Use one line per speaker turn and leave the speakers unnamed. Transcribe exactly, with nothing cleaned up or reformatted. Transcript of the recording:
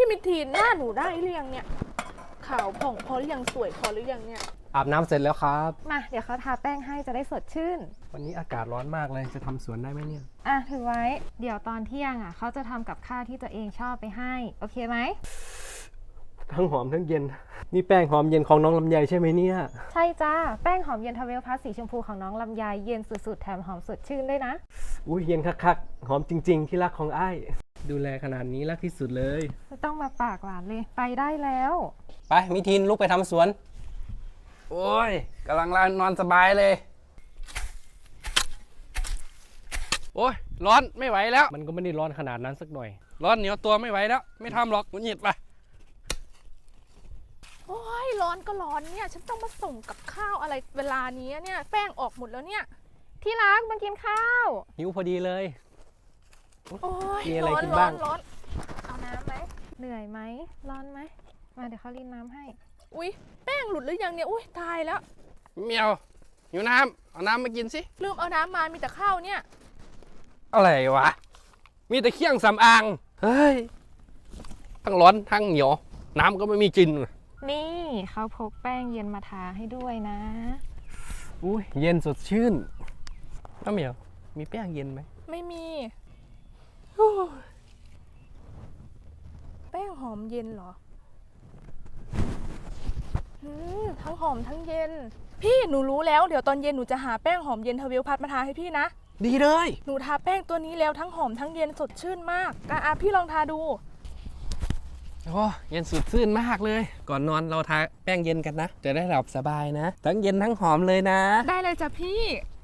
มิทีนหน้าหนูได้หรือยังเนี่ยขาวผ่องพอหรือยังสวยพอหรือยังเนี่ย
อาบน้ำเสร็จแล้วครับ
มาเดี๋ยวเขาทาแป้งให้จะได้สดชื่น
วันนี้อากาศร้อนมากเลยจะทำสวนได้ไหมเนี่ย
อ่ะถือไว้เดี๋ยวตอนเที่ยงอ่ะเขาจะทำกับข้าวที่ตัวเองชอบไปให้โอเคไหม
ทั้งหอมทั้งเย็นนี่แป้งหอมเย็นของน้องลำไยใช่ไหมเนี่ย
ใช่จ้าแป้งหอมเย็นทาเวลพลัสสีชมพูของน้องลำไยเย็นสุดๆแถมหอมสดชื่นด้วยนะ
อุ้ยเย็นคักๆหอมจริงๆที่รักของอ้ายดูแลขนาดนี้รักที่สุดเลย
ไม่ต้องมาปากหวานเลยไปได้แล้ว
ไปมิทินลุกไปทำสวน
โอ้ยกำลังนอนสบายเลยโอ้ยร้อนไม่ไหวแล้ว
มันก็ไม่ได้ร้อนขนาดนั้นสักหน่อย
ร้อนเหนียวตัวไม่ไหวแล้วไม่ทำหรอกมันหยิดไป
โอ้ยร้อนก็ร้อนเนี่ยฉันต้องมาส่งกับข้าวอะไรเวลานี้เนี่ยแป้งออกหมดแล้วเนี่ย
ที่รักมากินข้าว
หิวพอดีเลย
โอ้ย
มีอะไร
ร้อน
กิน
ร้อ
บ้าง
นร้อน
เอาน้ำไหมเหนื่อยไหมร้อนไหมมาเดี๋ยวเขารีดน้ำให้
อุ้ยแป้งหลุดหรือยังเนี่ยอุ้ยตายแล้ว
เมียวหิวน้ำเอาน้ำมากินสิ
ลืมเอาน้ำมามีแต่ข้าวเนี่ย
อะไรวะมีแต่เครื่องสำอางเฮ้ยทั้งร้อนทั้งเหนียวน้ำก็ไม่มีกิน
นี่เขาพกแป้งเย็นมาทาให้ด้วยนะ
อุ้ยเย็นสดชื่นน้าเหมียวมีแป้งเย็นไหม
ไม่มีแป้งหอมเย็นเหรอทั้งหอมทั้งเย็นพี่หนูรู้แล้วเดี๋ยวตอนเย็นหนูจะหาแป้งหอมเย็นทวิลพัดมาทาให้พี่นะ
ดีเลย
หนูทาแป้งตัวนี้แล้วทั้งหอมทั้งเย็นสดชื่นมากอ่ะพี่ลองทาดู
โอ้เย็นสดชื่นมากเลยก่อนนอนเราทาแป้งเย็นกันนะจะได้หลับสบายนะทั้งเย็นทั้งหอมเลยนะ
ได้เลยจ้ะพี่